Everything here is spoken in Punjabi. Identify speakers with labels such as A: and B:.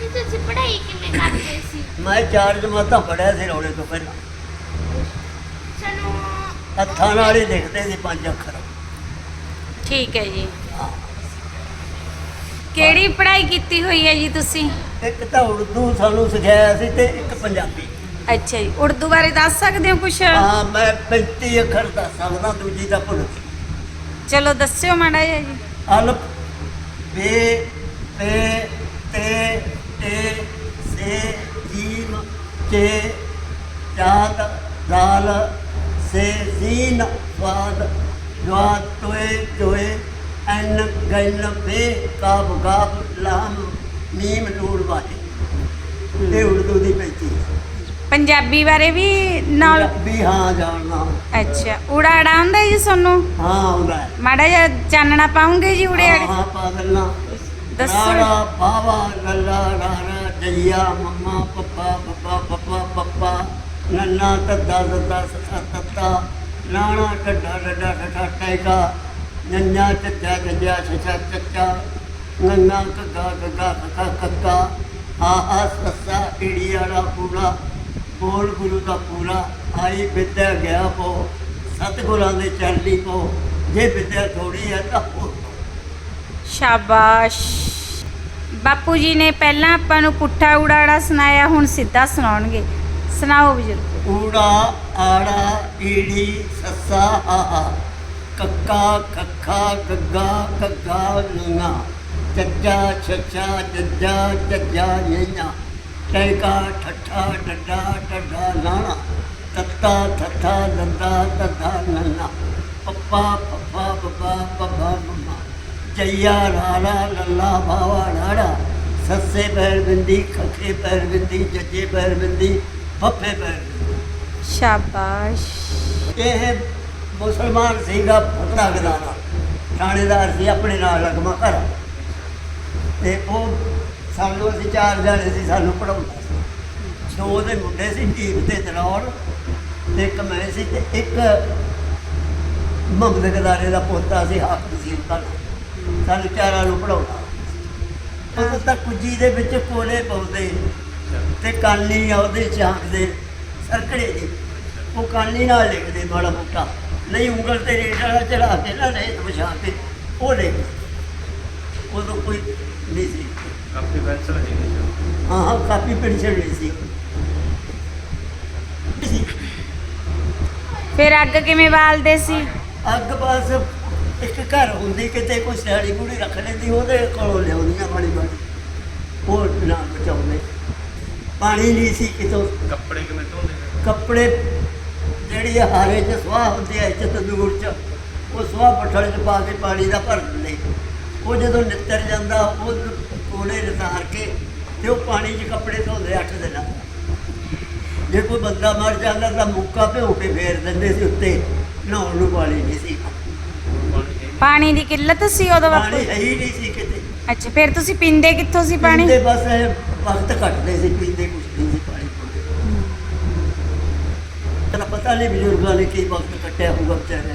A: ਜੀ ਤੁਸੀਂ ਪੜ੍ਹਾਈ ਕਿੰਨੇ ਕਰਦੇ ਸੀ?
B: ਮੈਂ 4 ਜਮਾਤਾਂ ਪੜ੍ਹਿਆ ਸੀ ਰੌਲੇ ਤੋਂ ਪਹਿਲਾਂ।
A: ਸਾਨੂੰ
B: ਹੱਥਾਂ ਨਾਲ ਹੀ ਲਿਖਦੇ ਸੀ 5 ਅੱਖਰ।
C: ਠੀਕ ਹੈ ਜੀ।
B: ਹਾਂ।
C: ਕਿਹੜੀ ਪੜ੍ਹਾਈ ਕੀਤੀ ਹੋਈ ਹੈ ਜੀ ਤੁਸੀਂ?
B: ਇੱਕ ਤਾਂ ਉਰਦੂ ਸਾਨੂੰ ਸਿਖਾਇਆ ਸੀ ਤੇ ਇੱਕ ਪੰਜਾਬੀ।
C: ਅੱਛਾ ਜੀ, ਉਰਦੂ ਬਾਰੇ ਦੱਸ ਸਕਦੇ ਹੋ ਕੁਛ?
B: ਹਾਂ, ਮੈਂ 35 ਅੱਖਰ ਦੱਸ ਸਕਦਾ, ਦੂਜੀ ਦਾ ਭੁੱਲ ਗਈ।
C: ਚਲੋ ਦੱਸਿਓ ਮਾੜਾ ਜਿਹਾ ਜੀ।
B: ਅਲਫ, ਬੇ, ਤੇ, ਤੇ, ਸੇ, ਜੀਮ, ਕੇ, ਚਾਦ, ਦਾਲ, ਸੇ, ਜ਼ੀਨ, ਸਵਾਦ, ਜਵਾਦ, ਤੋਏ, ਚੋਏ, ਐਨ, ਗੈਲ, ਬੇ, ਕਾਬ, ਗਾਬ, ਲਾਮ, ਮੀਮ, ਨੂਰ, ਵਾਹੇ। ਇਹ ਉਰਦੂ ਦੀ 35।
C: ਪੰਜਾਬੀ ਬਾਰੇ ਵੀ ਨਾਲ?
B: ਪੰਜਾਬੀ ਹਾਂ ਜਾਣਦਾ।
C: ਅੱਛਾ, ਊੜਾ ਆੜਾ ਆਉਂਦਾ ਜੀ ਤੁਹਾਨੂੰ?
B: ਹਾਂ ਆਉਂਦਾ ਹੈ।
C: ਮਾੜਾ ਜਿਹਾ ਚਾਨਣਾ ਪਾਉਂਗੇ ਜੀ ਊੜੇ ਆੜੇ?
B: ਹਾਂ ਪਾ ਦੇਣਾ।
C: ਦੱਸੋ।
B: ਰਾੜਾ ਬਾਵਾ ਲੱਲਾ ਰਾਰਾ ਜਈਆ ਮੰਮਾ ਪੱਪਾ ਪੱਪਾ ਪੱਪਾ ਪੱਪਾ ਨੰਨਾ ਤੱਦਾ ਤੱਦਾ ਸੱਸਾ ਤੱਤਾ ਨਾਣਾ ਟੱਡਾ ਡੱਡਾ ਠੱਠਾ ਟੈਕਾ ਨੰਨਾ ਚੱਚਾ ਜੱਜਾ ਛੱਛਾ ਚੱਚਾ ਨੰਨਾ ਕੱਗਾ ਕੱਗਾ ਕੱਕਾ ਕੱਕਾ ਆਹਾ ਸੱਸਾ ਈੜੀ ਵਾਲਾ ਪੂਰਾ ਬੋਲ ਗੁਰੂ ਦਾ ਪੂਰਾ ਆਈ ਵਿਦਿਆ ਗਿਆ ਪੋ ਸਤਿਗੁਰਾਂ ਦੇ ਚਰਨੀ ਪੋ ਜੇ ਵਿਦਿਆ ਥੋੜੀ ਹੈ ਤਾਂ ਹੋਰ।
C: ਸ਼ਾਬਾਸ਼। ਬਾਪੂ ਜੀ ਨੇ ਪਹਿਲਾਂ ਆਪਾਂ ਨੂੰ ਪੁੱਠਾ ਊੜਾੜਾ ਸੁਣਾਇਆ, ਹੁਣ ਸਿੱਧਾ ਸੁਣਾਉਣਗੇ। ਸੁਣਾਓ ਬਜ਼ੁਰਗ।
B: ਊੜਾ ਆੜਾ ਈੜੀ ਸੱਸਾ ਆਹਾ ਕੱਕਾ ਕੱਖਾ ਗੱਗਾ ਕੱਗਾ ਨੰਗਾ ਚੱਜਾ ਛੱਛਾ ਜੱਜਾ ਜੱਜਾ ਨਈਆਂ ਟੈਕਾ ਠੱਠਾ ਡੱਡਾ ਡੱਡਾ ਲਾਣਾ ਤੱਤਾ ਥੱਥਾ ਦੰਦਾ ਤੱਦਾ ਨੰਨਾ ਪੱਪਾ ਪੱਪਾ ਬੱਬਾ ਬੱਬਾ ਮੰਮਾ ਜਈਆ ਰਾਲਾ ਲੱਲਾ ਬਾਵਾ ਰਾੜਾ ਸੱਸੇ ਪੈਰ ਬਿੰਦੀ ਖੱਖੇ ਪੈਰ ਬਿੰਦੀ ਜੱਜੇ ਪੈਰ ਬਿੰਦੀ ਫੱਫੇ ਪੈਰ ਬਿੰਦੀ।
C: ਸ਼ਾਬਾਸ਼।
B: ਇਹ ਮੁਸਲਮਾਨ ਸੀਗਾ ਫਤੜਾ ਗਦਾਨਾ, ਥਾਣੇਦਾਰ ਸੀ ਆਪਣੇ ਨਾਲ ਲਗਮਾ ਘਰ। ਤੇ ਉਹ ਸਾਨੂੰ ਅਸੀਂ 4 ਜਾਣੇ ਸੀ, ਸਾਨੂੰ ਪੜਾਉਂਦਾ ਸੀ। 2 ਦੇ ਮੁੰਡੇ ਸੀ ਢੀਬ ਤੇ ਦਰੌੜ ਤੇ ਇੱਕ ਮੈਂ ਸੀ ਤੇ ਇੱਕ ਮੁਹੰਮਦ ਗਦਾਰੇ ਦਾ ਪੋਤਾ ਸੀ ਹਾਕਮ ਸੀ ਉਹਦਾ। ਸਾਨੂੰ 4 ਨੂੰ ਪੜਾਉਂਦਾ। ਉਹ ਤਾਂ ਕੁੱਜੀ ਦੇ ਵਿੱਚ ਕੋਲੇ ਪਾਉਂਦੇ ਤੇ ਕਾਲੀ ਆਉਦੇ ਝਾਂਕਦੇ ਸਰਕੜੇ ਦੀ, ਉਹ ਕਾਲੀ ਨਾਲ ਲਿਖਦੇ ਮਾੜਾ ਮੋਟਾ, ਨਹੀਂ ਉਂਗਲ ਤੇ ਰੇਟ ਵਾਲਾ ਚੜਾ ਕੇ ਨਾ ਰੇਤ ਵਿਛਾ ਕੇ ਉਹ ਲਿਖਦੇ। ਉਦੋਂ ਕੋਈ ਨਹੀਂ ਸੀ।
D: ਕਾਪੀ ਪੈਨਸਲ ਨਹੀਂ
B: ਹਾਂ ਹਾਂ, ਕਾਪੀ ਪੈਨਸ਼ਨ ਨਹੀਂ ਸੀ।
C: ਫਿਰ ਅੱਗ ਕਿਵੇਂ ਬਾਲਦੇ ਸੀ?
B: ਅੱਗ ਬਸ ਇੱਕ ਘਰ ਹੁੰਦੀ, ਕਿਤੇ ਕੋਈ ਸਿਆੜੀ ਬੂੜੀ ਰੱਖ ਲੈਂਦੀ, ਉਹਦੇ ਕੋਲੋਂ ਲਿਆਉਂਦੀਆਂ ਮਾੜੀ ਮਾੜੀ, ਉਹ ਨਾ ਬਚਾਉਂਦੇ। ਪਾਣੀ ਨਹੀਂ ਸੀ ਕਿਤੋਂ।
D: ਕੱਪੜੇ ਕਿਵੇਂ ਧੋਂਦੇ ਨੇ?
B: ਕੱਪੜੇ ਜਿਹੜੀ ਹਾਰੇ 'ਚ ਸੁਆਹ ਹੁੰਦੀ ਹੈ ਇੱਥੇ ਤੰਦੂਰ 'ਚ, ਉਹ ਸੁਆਹ ਪੱਠਲ 'ਚ ਪਾ ਕੇ ਪਾਣੀ ਦਾ ਭਰ ਦਿੰਦੇ। ਉਹ ਜਦੋਂ ਨਿੱਤਰ ਜਾਂਦਾ ਉਹ ਕੋਲੇ ਰਤਾਰ ਕੇ ਤੇ ਉਹ ਪਾਣੀ 'ਚ ਕੱਪੜੇ ਧੋਂਦੇ 8 ਦਿਨਾਂ। ਜੇ ਕੋਈ ਬੰਦਾ ਮਰ ਜਾਂਦਾ ਤਾਂ ਮੁੱਕਾ ਭਿਓ ਕੇ ਫੇਰ ਦਿੰਦੇ ਸੀ ਉੱਤੇ, ਨਹਾਉਣ ਨੂੰ ਪਾਣੀ ਨਹੀਂ ਸੀ।
C: ਪਾਣੀ ਦੀ ਕਿੱਲਤ ਸੀ ਉਦੋਂ ਬਾਪੂ?
B: ਪਾਣੀ ਹੈ ਹੀ ਨਹੀਂ ਸੀ ਕਿਤੇ।
C: ਅੱਛਾ, ਫਿਰ ਤੁਸੀਂ ਪੀਂਦੇ ਕਿੱਥੋਂ ਸੀ ਪਾਣੀ?
B: ਪੀਂਦੇ ਬਸ ਇਹ ਵਕਤ ਕੱਟਦੇ ਸੀ, ਪੀਂਦੇ ਕੁਛ ਨਹੀਂ ਸੀ ਪਾਣੀ। ਤੈਨੂੰ ਪਤਾ ਨਹੀਂ ਬਜ਼ੁਰਗਾਂ ਨੇ ਕੀ ਵਕਤ ਕੱਟਿਆ ਹੋਊਗਾ ਵਿਚਾਰਿਆਂ